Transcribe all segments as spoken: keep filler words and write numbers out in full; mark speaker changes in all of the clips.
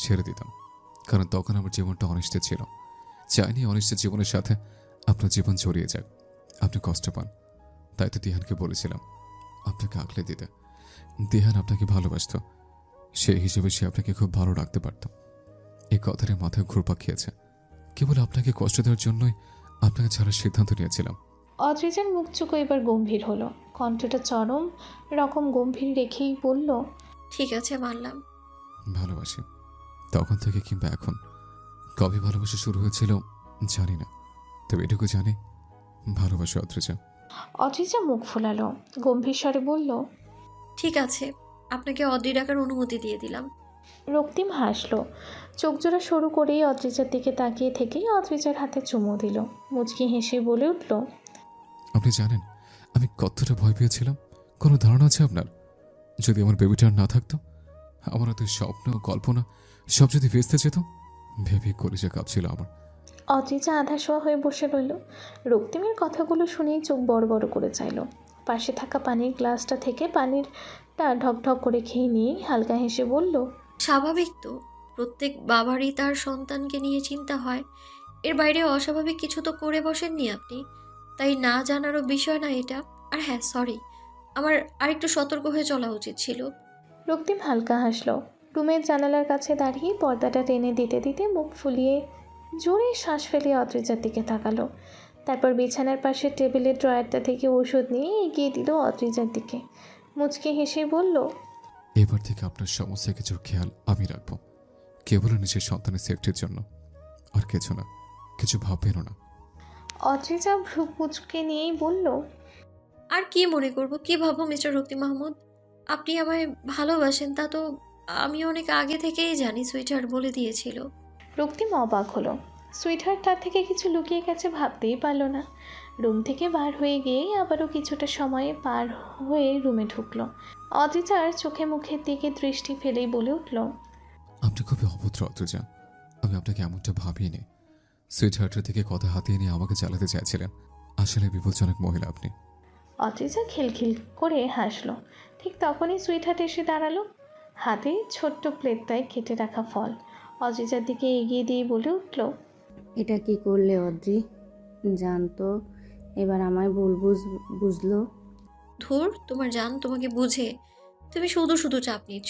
Speaker 1: ছেড়ে দিতাম, কারণ তখন আমার জীবনটা অনিশ্চিত ছিল। চাইনি অনিশ্চিত জীবনের সাথে আপনার জীবন জড়িয়ে যাক, আপনি কষ্ট পান। তাই তো দিহানকে বলেছিলাম আপনাকে আগলে দিতে। দিহান আপনাকে ভালোবাসত, সেই হিসেবে সে আপনাকে খুব ভালো রাখতে পারত। এই কথাটা মাথায় ঘুরপাক খেয়েছে। কেবল আপনাকে কষ্ট দেওয়ার জন্যই আপনাকে ছাড়ার সিদ্ধান্ত নিয়েছিলাম।
Speaker 2: অদ্রিজার মুখ চুকো এবার গম্ভীর হলো, কণ্ঠটা চরম রকম গম্ভীর রেখেই বলল,
Speaker 3: ঠিক আছে, মানলাম।
Speaker 1: ভালোবাসি, তখন থেকে কিংবা এখন। কবে ভালোবাসা শুরু হয়েছিল জানি না, তবে এটুকু জানি ভালোবাসি অদ্রিজা।
Speaker 2: অদ্রিজা মুখ ফোলালো, গম্ভীর স্বরে বলল,
Speaker 3: ঠিক আছে, আপনাকে অদ্রি ডাকার অনুমতি দিয়ে দিলাম।
Speaker 2: রক্তিম হাসলো, চোখজোড়া সরু করেই অদ্রিজার দিকে তাকিয়ে থেকেই অদ্রিজার হাতে চুমু দিল। মুচকি হেসে বলে উঠল,
Speaker 1: আপনি জানেন আমি কতটা ভয় পেয়েছিলাম? কোনো ধারণা আছে আপনার? যদি আমার বেবিটা আর না থাকতো, আমার এত স্বপ্ন কল্পনা সব যদি ভেস্তে যেত, ভেবে কলিজা কাঁপছিল আমার।
Speaker 2: অদ্রিজা আধা শোয়া হয়ে বসে রইল। রক্তিমের কথাগুলো শুনেই চোখ বড় বড় করে চাইল। পাশে থাকা পানির গ্লাসটা থেকে পানিরটা ঢকঢক করে খেয়ে নিয়ে হালকা হেসে বলল,
Speaker 3: স্বাভাবিক তো, প্রত্যেক বাবারই তার সন্তানকে নিয়ে চিন্তা হয়। এর বাইরে অস্বাভাবিক কিছু তো করে বসেননি আপনি, তাই না জানারও বিষয় না এটা। আর হ্যাঁ, সরি, আমার আরেকটু সতর্ক হয়ে চলা উচিত ছিল।
Speaker 2: রক্তিম হালকা হাসলো, রুমের জানালার কাছে দাঁড়িয়ে পর্দাটা টেনে দিতে দিতে মুখ ফুলিয়ে জোরে শ্বাস ফেলিয়ে অদ্রিজার দিকে তাকালো। তারপর বিছানার পাশে টেবিলের ড্রয়ারটা থেকে ওষুধ নিয়ে এগিয়ে দিল অদ্রিজার দিকে। মুচকে হেসে বলল,
Speaker 1: এবার থেকে আপনার সমস্ত কিছুর খেয়াল আমি রাখবো, কেবল নিজের সন্তানের সেফটির জন্য, আর কিছু না। কিছু ভাববেনও না।
Speaker 2: অদ্রিজা ভ্রু কুচকে নিয়েই বলল,
Speaker 3: আর কি মনে করব, কি ভাববো মিস্টার রক্তি মাহমুদ? আপনি আমায় ভালোবাসেন তা তো আমি অনেক আগে থেকেই জানি, সুইটহার্ট বলে দিয়েছিল।
Speaker 2: রক্তিম অবাক হলো। সুইটহার্ট তার থেকে কিছু লুকিয়ে গেছে ভাবতেই পারল না। রুম থেকে বার হয়ে গিয়ে আবারও কিছুটা সময়ে পার হয়ে রুমে ঢুকলো। অদ্রিজার চোখে মুখের দিকে দৃষ্টি ফেলেই বলে উঠল,
Speaker 1: আপনি খুবই অভদ্র অদ্রিজা, আমি আপনাকে এমনটা ভাবিনি। সুইট হার্টের থেকে কথা হাতিয়ে নিয়ে আমাকে চালাতে চাইছিলেন। আসলে বিপজ্জনক মহিলা আপনি।
Speaker 2: অদ্রিজা খিলখিল করে হাসলো। ঠিক তখনই সুইটহার্ট এসে দাঁড়ালো, হাতে ছোট্ট প্লেটটায় কেটে রাখা ফল অদ্রিজার দিকে এগিয়ে দিয়ে বলে উঠল,
Speaker 4: এটা কি করলে অদ্রি? জানতো এবার আমায় ভুল বুঝ বুঝলো।
Speaker 3: ধুর, তোমার জান তোমাকে বুঝে, তুমি শুধু শুধু চাপ নিচ্ছ।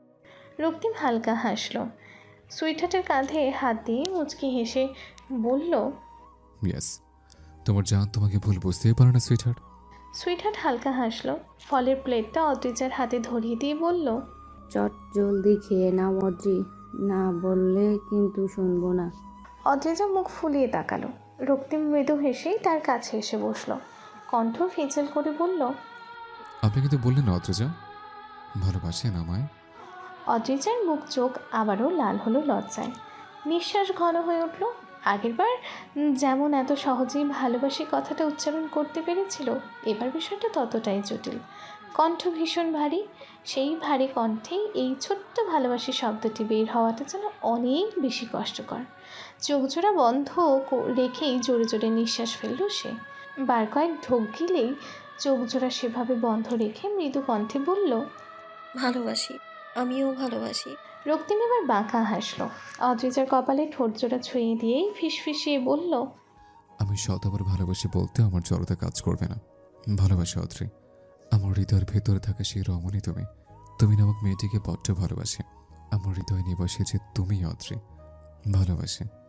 Speaker 2: রক্তিম হালকা হাসলো, সুইটহার্টের কাঁধে হাত দিয়ে মুচকি হেসে বলল,
Speaker 1: ইয়েস, তোমার জান তোমাকে ভুল বুঝতেই পারে না সুইট হার্ট।
Speaker 2: সুইটহার্ট হালকা হাসলো, ফলের প্লেটটা অদ্রিজার হাতে ধরিয়ে দিয়ে বলল,
Speaker 4: চট জলদি খেয়ে নাও অদ্রি, না বললে কিন্তু শুনবো না।
Speaker 2: অদ্রিজা মুখ ফুলিয়ে তাকালো। রক্তিম মৃদু হেসেই তার কাছে এসে বসলো, কণ্ঠ ফিচেল করে বলল,
Speaker 1: আপনি কিন্তু বললেন না অদ্রিজা ভালোবাসেন আমায়।
Speaker 2: অদ্রিজার মুখ চোখ আবারও লাল হলো লজ্জায়, নিঃশ্বাস ঘন হয়ে উঠল। আগেরবার যেমন এত সহজেই ভালোবাসি কথাটা উচ্চারণ করতে পেরেছিল, এবার বিষয়টা ততটাই জটিল। কণ্ঠ ভীষণ ভারী, সেই ভারী কণ্ঠেই এই ছোট্ট ভালোবাসি শব্দটি বের হওয়াটা যেন অনেক বেশি কষ্টকর। চোখজোড়া বন্ধ রেখেই জোরে জোরে নিঃশ্বাস ফেলল সে। বার কয়েক ঢোক গিলেই চোখজোড়া সেভাবে বন্ধ রেখে মৃদু কণ্ঠে বলল,
Speaker 3: ভালোবাসি, আমিও ভালোবাসি।
Speaker 2: রক্তিম এবার বাঁকা হাসলো, অদ্রিজার কপালে ঠোঁট জোড়া ছুঁয়ে দিয়েই ফিসফিসিয়ে বলল,
Speaker 1: আমি শতবার ভালোবাসি বলতে আমার জড়তা কাজ করবে না। ভালোবাসি অদ্রি, আমার হৃদয়ের ভেতরে থাকা সেই রমণী তুমি। তুমি নামক মেয়েটিকে বড্ড ভালোবাসি। আমার হৃদয় নিবাসী যে তুমি অদ্রি, ভালোবাসি।